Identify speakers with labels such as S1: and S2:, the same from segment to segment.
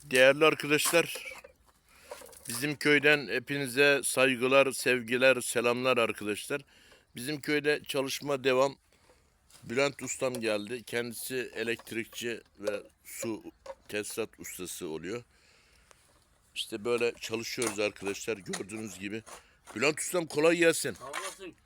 S1: Değerli arkadaşlar, bizim köyden hepinize saygılar, sevgiler, selamlar arkadaşlar. Bizim köyde çalışma devam. Bülent Ustam geldi. Kendisi elektrikçi ve su tesisat ustası oluyor. İşte böyle çalışıyoruz arkadaşlar, gördüğünüz gibi. Bülent Ustam kolay gelsin.
S2: Sağ olasın.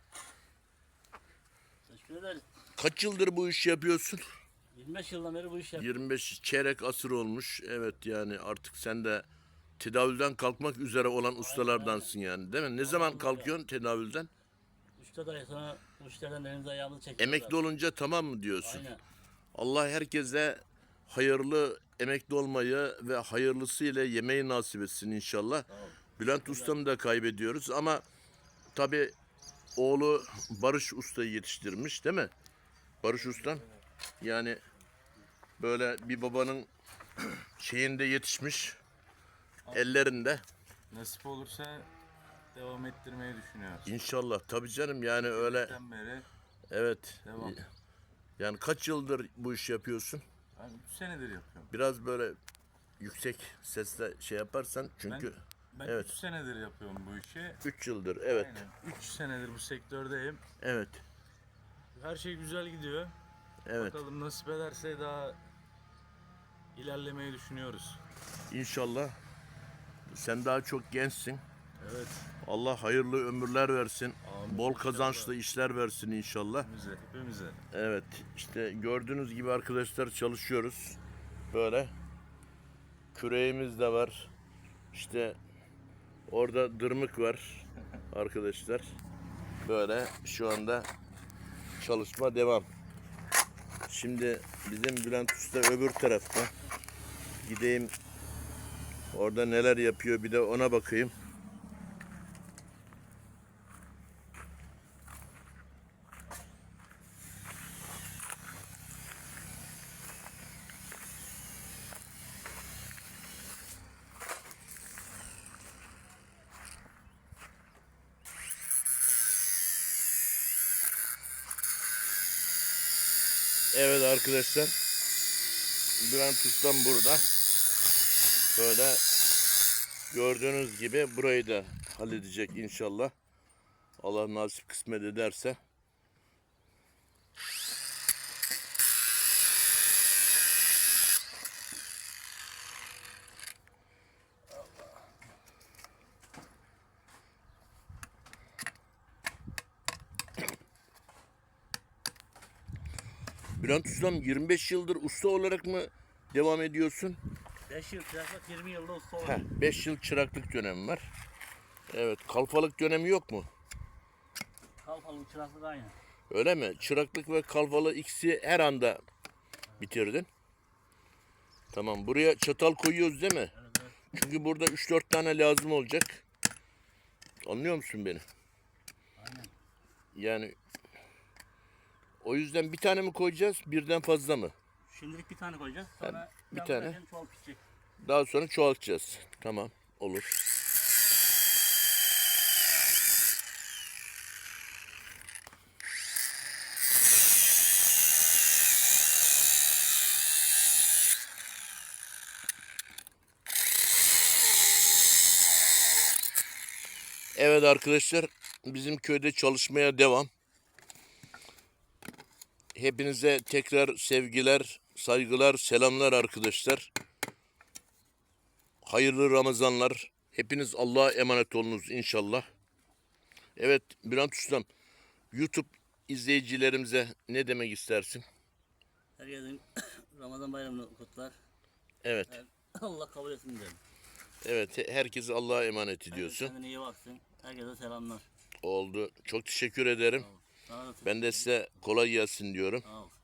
S2: Teşekkür ederiz.
S1: Kaç yıldır bu işi yapıyorsun?
S2: 25 yıldan beri bu işi yapıyorum.
S1: 25 çeyrek asır olmuş. Evet, yani artık sen de tedavülden kalkmak üzere olan ustalardansın yani, değil mi? Ne zaman kalkıyorsun tedavülden?
S2: 3'te dahi sonra bu işlerden elimizi ayağımızı çekiyoruz.
S1: Emekli olunca tamam mı diyorsun?
S2: Aynen.
S1: Allah herkese hayırlı emekli olmayı ve hayırlısıyla yemeği nasip etsin inşallah.
S2: Tamam.
S1: Bülent Ustam'ı da kaybediyoruz ama tabii oğlu Barış Usta'yı yetiştirmiş, değil mi? Barış Ustam. Yani böyle bir babanın şeyinde yetişmiş, ellerinde.
S3: Nasip olursa devam ettirmeyi düşünüyoruz.
S1: İnşallah. Tabii canım, yani öyle.
S3: Bizden beri
S1: Evet.
S3: devam.
S1: Yani kaç yıldır bu işi yapıyorsun?
S3: Ben 3 senedir yapıyorum.
S1: Biraz böyle yüksek sesle şey yaparsan çünkü
S3: Ben
S1: evet.
S3: 3 senedir yapıyorum bu işi.
S1: 3 yıldır, evet.
S3: Aynen. 3 senedir bu sektördeyim.
S1: Evet.
S3: Her şey güzel gidiyor.
S1: Evet.
S3: Bakalım nasip ederse daha ilerlemeyi düşünüyoruz.
S1: İnşallah. Sen daha çok gençsin.
S3: Evet.
S1: Allah hayırlı ömürler versin.
S3: Amin.
S1: Bol kazançlı işler versin inşallah.
S3: Hepimize.
S1: Evet. İşte gördüğünüz gibi arkadaşlar çalışıyoruz. Böyle. Küreğimiz de var. İşte orada dırmık var arkadaşlar. Böyle şu anda çalışma devam. Şimdi bizim Bülent Usta öbür tarafta. Gideyim orada neler yapıyor, bir de ona bakayım. Evet arkadaşlar, Bülent Ustam burada. Böyle gördüğünüz gibi burayı da halledecek inşallah. Allah nasip kısmet ederse. Bülent Ustam 25 yıldır usta olarak mı devam ediyorsun?
S2: 5 yıl çıraklık, 20 yılda usta oldum.
S1: 5 yıl çıraklık dönemi var. Evet, kalfalık dönemi yok mu?
S2: Kalfalı çıraklık aynı.
S1: Öyle mi? Çıraklık ve kalfalı ikisi her anda bitirdin. Tamam, buraya çatal koyuyoruz değil mi?
S2: Evet, evet.
S1: Çünkü burada 3-4 tane lazım olacak. Anlıyor musun beni?
S2: Aynen.
S1: Yani o yüzden bir tane mi koyacağız, birden fazla mı?
S2: Şimdilik bir tane koyacağız. Sonra
S1: bir tane.
S2: Çoğal pişecek.
S1: Daha sonra çoğaltacağız. Tamam, olur. Evet arkadaşlar, bizim köyde çalışmaya devam. Hepinize tekrar sevgiler, saygılar, selamlar arkadaşlar. Hayırlı Ramazanlar. Hepiniz Allah'a emanet olunuz inşallah. Evet Bülent Ustam, YouTube izleyicilerimize ne demek istersin?
S2: Herkesin Ramazan bayramını kutlar.
S1: Evet,
S2: Allah kabul etsin diyorum.
S1: evet, herkesi Allah'a emanet ediyorsun.
S2: Kendine iyi baksın. Herkese selamlar.
S1: Oldu. Çok teşekkür ederim.
S2: Sağ ol. Sana da
S1: Ben de size kolay gelsin diyorum.
S2: Sağ ol.